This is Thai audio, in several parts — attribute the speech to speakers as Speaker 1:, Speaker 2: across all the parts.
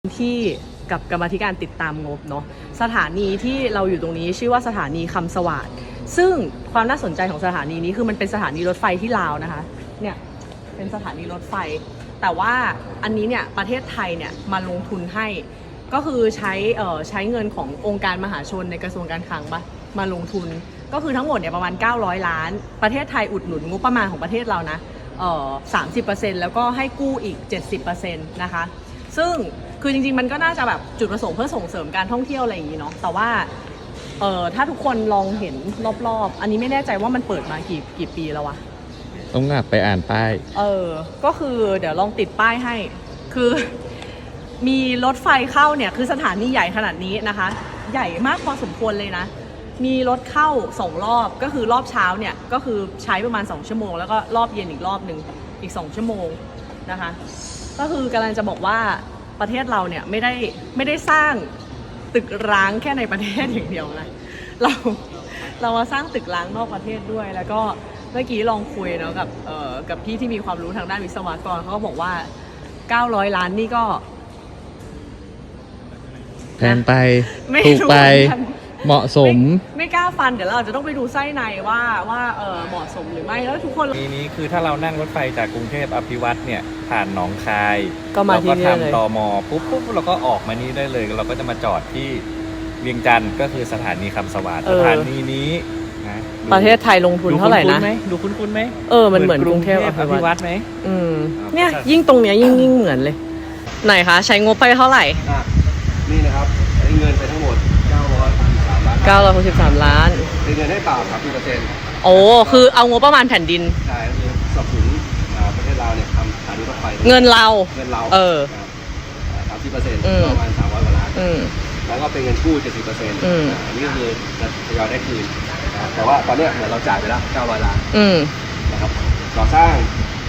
Speaker 1: ที่กับกรรมาธิการติดตามงบเนาะสถานีที่เราอยู่ตรงนี้ชื่อว่าสถานีคำสวัสดิ์ซึ่งความน่าสนใจของสถานีนี้คือมันเป็นสถานีรถไฟที่ลาวนะคะเนี่ยเป็นสถานีรถไฟแต่ว่าอันนี้เนี่ยประเทศไทยเนี่ยมาลงทุนให้ก็คือใช้เงินขององค์การมหาชนในกระทรวงการคลังมาลงทุนก็คือทั้งหมดเนี่ยประมาณ900ล้านประเทศไทยอุดหนุนงบประมาณของประเทศเรานะ30%แล้วก็ให้กู้อีก 70% นะคะซึ่งคือจริงๆมันก็น่าจะแบบจุดประสงค์เพื่อส่งเสริมการท่องเที่ยวอะไรอย่างนี้เนาะแต่ว่าถ้าทุกคนลองเห็นรอบๆอันนี้ไม่แน่ใจว่ามันเปิดมากี่ปีแล้ววะ
Speaker 2: ต้องกลับไปอ่านป้าย
Speaker 1: ก็คือเดี๋ยวลองติดป้ายให้คือมีรถไฟเข้าเนี่ยคือสถานีใหญ่ขนาดนี้นะคะใหญ่มากพอสมควรเลยนะมีรถเข้า2รอบก็คือรอบเช้าเนี่ยก็คือใช้ประมาณ2ชั่วโมงแล้วก็รอบเย็นอีกรอบหนึ่งอีก2ชั่วโมงนะคะก็คือกำลังจะบอกว่าประเทศเราเนี่ยไม่ได้สร้างตึกร้างแค่ในประเทศอย่างเดียวนะเรามาสร้างตึกร้างนอกประเทศด้วยแล้วก็เมื่อกี้ลองคุยเนาะกับพี่ที่มีความรู้ทางด้านวิศวกรเขาก็บอกว่า900ล้านนี่ก็
Speaker 2: แพงไปถูกไปเหมาะสม
Speaker 1: ไม่กล้าฟันเดี๋ยวเราจะต้องไปดูไส้ในว่าเหมาะสมหรือไม่แล้วทุกคน
Speaker 3: นี้คือถ้าเรานั่งรถไฟจากกรุงเทพอภิวัตเนี่ยผ่านหนองคาย
Speaker 1: ก็มาที่นี่เลย
Speaker 3: เราก็ทำตม.ปุ๊บเราก็ออกมานี่ได้เลยเราก็จะมาจอดที่เวียงจันทร์ก็คือสถานีคำสวัสดิ์สถานีนี้นะ
Speaker 1: ประเทศไทยลงทุนเท่าไหร่นะ
Speaker 3: ดูคุ้นไหม
Speaker 1: มันเหมือนกรุงเทพอภิวัต
Speaker 3: ไหม
Speaker 1: เนี่ยยิ่งตรงเนี้ยยิ่งเหมือนเลยไหนคะใช้งบไปเท่าไหร่
Speaker 4: นี่นะครับใช้เงินไปทั้งหมด
Speaker 1: 963 ล้าน
Speaker 4: เป็นเงินให้เปล่า30%
Speaker 1: โอ้คือเอางบประมาณแผ่นดิน
Speaker 4: ใช่คือสนับสนุนประเทศเราเนี่ยทำสถานีรถไฟ
Speaker 1: เงินเรา
Speaker 4: 30%ประมาณ300 กว่าล้านแล้วก็เป็นเงินกู้ 70%อันนี้ก็คือจะทยอยได้คืนแต่ว่าตอนนี้เหมือนเราจ่ายไปแล้ว900 ล้านนะครับก่อสร้าง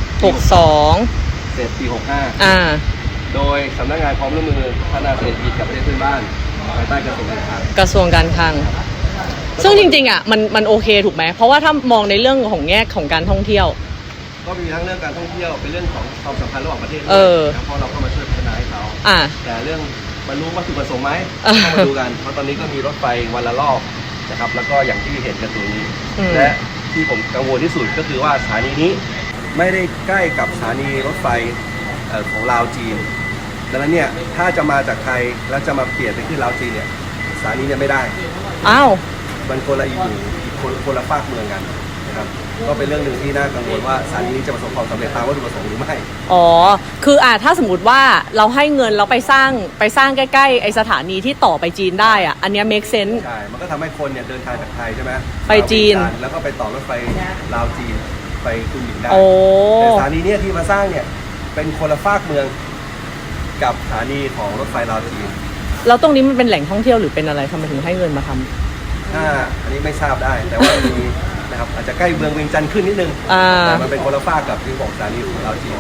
Speaker 1: 62
Speaker 4: เสร็จปี65โดยสำนักงานความร่วมมือพัฒนาเศรษฐกิจกับประเทศเพื่อนบ้านภายใต้กระทรวงการคลัง
Speaker 1: ซึ่งจริงๆอ่ะมันโอเคถูกไหมเพราะว่าถ้ามองในเรื่องของแง่ของการท่องเที่ยว
Speaker 4: ก็มีทั้งเรื่องการท่องเที่ยวเป็นเรื่องของความสัมพันธ์ระหว่างประเทศด้วยเพราะเราก็มาช่วยพัฒนาให้เขาแต่เรื่องบรรลุวัตถุประสงค์ไหมต้องมาดูกันเพราะตอนนี้ก็มีรถไฟวันละรอบนะครับแล้วก็อย่างที่เห็นกันตรงนี้และที่ผมกังวลที่สุดก็คือว่าสถานีนี้ไม่ได้ใกล้กับสถานีรถไฟของลาวจีนดังนั้นเนี่ยถ้าจะมาจากไทยแล้วจะมาเปลี่ยนไปขึ้นลาวจีนเนี่ยสถานีเนี่ยไม่ได้มันคนละคนละฝากเมืองกันนะครับก็เป็นเรื่องหนึ่งที่น่ากังวลว่าสถานีนี้จะประสบความสำเร็จตามวัตถุประสงค์หรือไม่
Speaker 1: คือถ้าสมมติว่าเราให้เงินเราไปสร้างใกล้ๆไอสถานีที่ต่อไปจีนได้อ่ะอันนี้ make sense
Speaker 4: ใช่มันก็ทำให้คนเนี่ยเดินทางจากไทยใช่ไหม
Speaker 1: ไปจีน
Speaker 4: แล้วก็ไปต่อรถไฟลาวจีนไปคุนหมิงได้แต่สถานีเนี่ยที่มาสร้างเนี่ยเป็นคนละฝากเมืองกับสถานีของรถไฟลาวจีน
Speaker 1: แล้วตรงนี้มันเป็นแหล่งท่องเที่ยวหรือเป็นอะไรทำไมถึงให้เงินมาท
Speaker 4: ำอันนี้ไม่ทราบได้แต่ว่ามีนะครับอาจจะใกล้เมืองเวียงจันทร์ขึ้นนิดนึงแต่มันเป็นคนละฝากกับที่บอกสถานีของลาวจีน